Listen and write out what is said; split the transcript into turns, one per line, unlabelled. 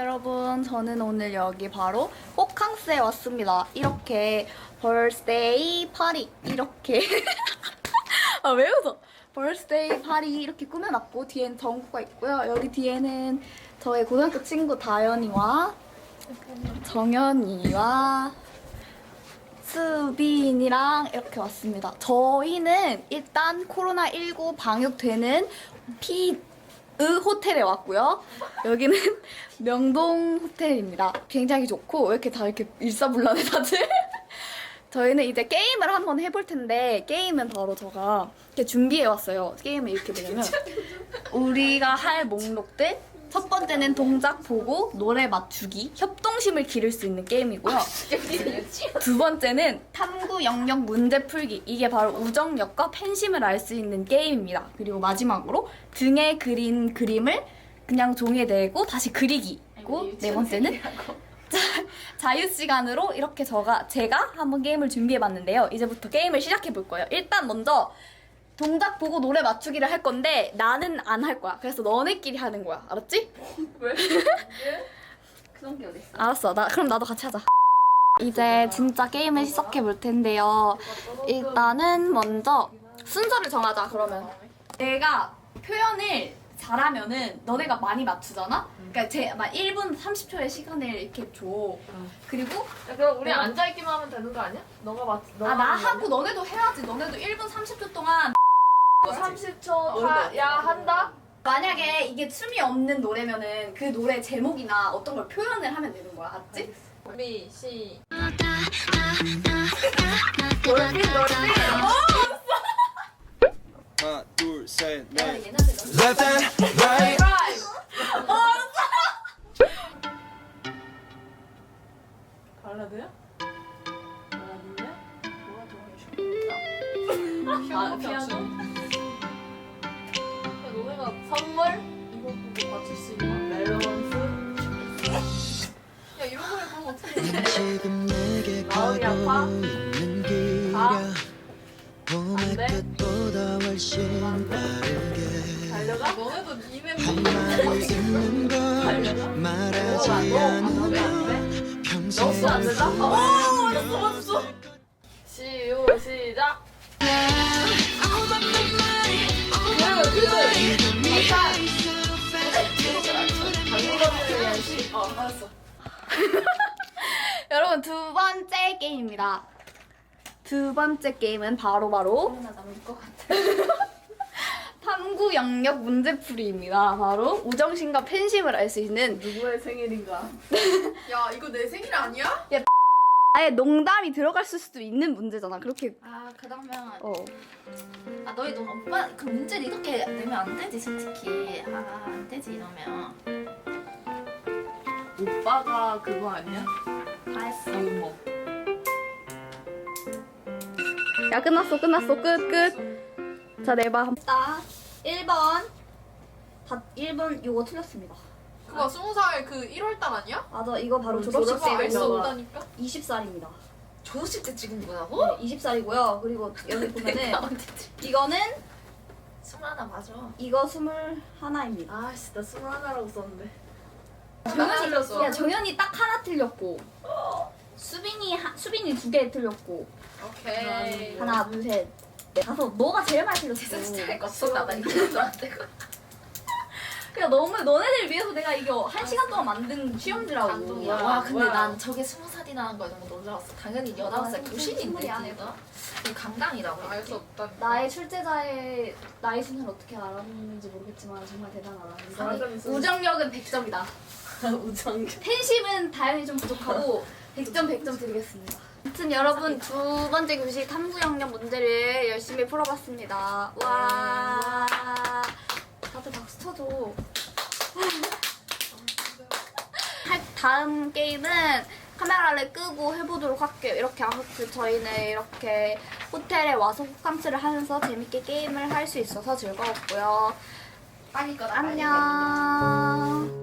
여러분, 저는 오늘 여기 바로 호캉스에 왔습니다. 이렇게 벌스데이 파리 이렇게 아, 왜 웃어? 벌스데이 파리 이렇게 꾸며놨고 뒤엔 정구가 있고요. 여기 뒤에는 저의 고등학교 친구 다현이와 정연이와 수빈이랑 이렇게 왔습니다. 저희는 일단 코로나19 방역되는 호텔에 왔고요. 여기는 명동 호텔입니다. 굉장히 좋고 왜 이렇게 다 이렇게 일사불란해 다들? 저희는 이제 게임을 한번 해볼 텐데 게임은 바로 제가 이렇게 준비해왔어요. 게임은 이렇게 되냐면 우리가 할 목록들 첫 번째는 동작 보고 노래 맞추기, 협동심을 기를 수 있는 게임이고요. 두 번째는 탐구 영역 문제 풀기. 이게 바로 우정역과 팬심을 알 수 있는 게임입니다. 그리고 마지막으로 등에 그린 그림을 그냥 종이에 대고 다시 그리기. 그리고 네 번째는 자유시간으로 이렇게 제가 한번 게임을 준비해봤는데요. 이제부터 게임을 시작해볼 거예요. 일단 먼저 동작 보고 노래 맞추기를 할 건데 나는 안 할 거야. 그래서 너네끼리 하는 거야. 알았지?
왜? 그런 게 어딨어?
알았어. 그럼 나도 같이 하자. 이제 진짜 게임을 시작해 볼 텐데요. 일단은 먼저 순서를 정하자. 그러면 내가 표현을 잘하면은 너네가 많이 맞추잖아? 그러니까 막 1분 30초의 시간을 이렇게 줘. 그리고
야, 그럼 우리 앉아있기만 하면 되는 거 아니야? 너가
나 하고 너네도 해야지. 너네도 1분 30초 동안
30초 한다?
만약에 이게 춤이 없는 노래면은 그 노래 제목이나 어떤 걸 표현을 하면 되는 거야. 알았지?
준비, 시.
하나, 둘, 셋, 넷.
Left
and right.
발라드야? 발라드냐? 뭐가 좋아해? 피아노? 야, 너네가 선물? 이거 보고 맞출 수 있는 멜로망스? 야, 이런 걸 보면 어떻게 해?
지금 내게
마음이 아파?
가고 있는 길이야 봄의
돼?
끝보다 훨씬 빠르게
달려가? 너네도 니네
할 말을 듣는 걸 말하지 않으면 평생
너무 안 된다? 오! 맞았어, 맞았어! 시작!
알았어. 여러분, 두 번째 게임입니다. 두 번째 게임은 바로 탐구 영역 문제풀이입니다. 바로 우정심과 팬심을 알 수 있는
누구의 생일인가? 야, 이거 내 생일 아니야?
아예 농담이 들어갈 수도 있는 문제잖아. 그렇게
그러면
너희
너 오빠 그 문제를 이렇게 내면 안 되지 솔직히. 안 되지 이러면.
오빠가 그거 아니야?
다 했어.
뭐.
야, 끝났어. 끝. 자, 내봐. 1번 1번 이거 틀렸습니다.
그거 20살 그 1월달 아니야?
맞아, 이거 바로
졸업식
졸업식
알수
때고
없다니까?
20살입니다.
졸업식 때 찍은 거라고?
네, 20살이고요. 그리고 여기 보면은 이거는
21 맞아.
이거 21입니다.
아씨, 나 21라고 썼는데.
정연이 딱 하나 틀렸고 수빈이 2개 틀렸고
오케이.
하나, 둘, 셋, 넷, 다섯. 너가 제일 많이 틀렸어.
진짜 할거 없었다. 나 이거 안 되고.
그냥 너네들 위해서 내가 이게 1시간 동안 만든 시험지라고.
감동이야. 와, 근데 난 저게 20살이라는 거에 너무 놀라웠어. 당연히 19살 교신인데
스물이
걔가. 이거 강당이라고.
알 수 없다.
나의 출제자의 나이 순을 어떻게 알았는지 모르겠지만 정말 대단하다.
사람이
우정력은 100점이다.
우정.
팬심은 다행히 좀 부족하고 100점 드리겠습니다. 아무튼 여러분, 두 번째 교시 탐구 영역 문제를 열심히 풀어봤습니다. 와, 다들 박수 쳐줘. 다음 게임은 카메라를 끄고 해보도록 할게요. 이렇게 아무튼 저희는 이렇게 호텔에 와서 호캉스를 하면서 재밌게 게임을 할 수 있어서 즐거웠고요.
빨리 꺼.
안녕.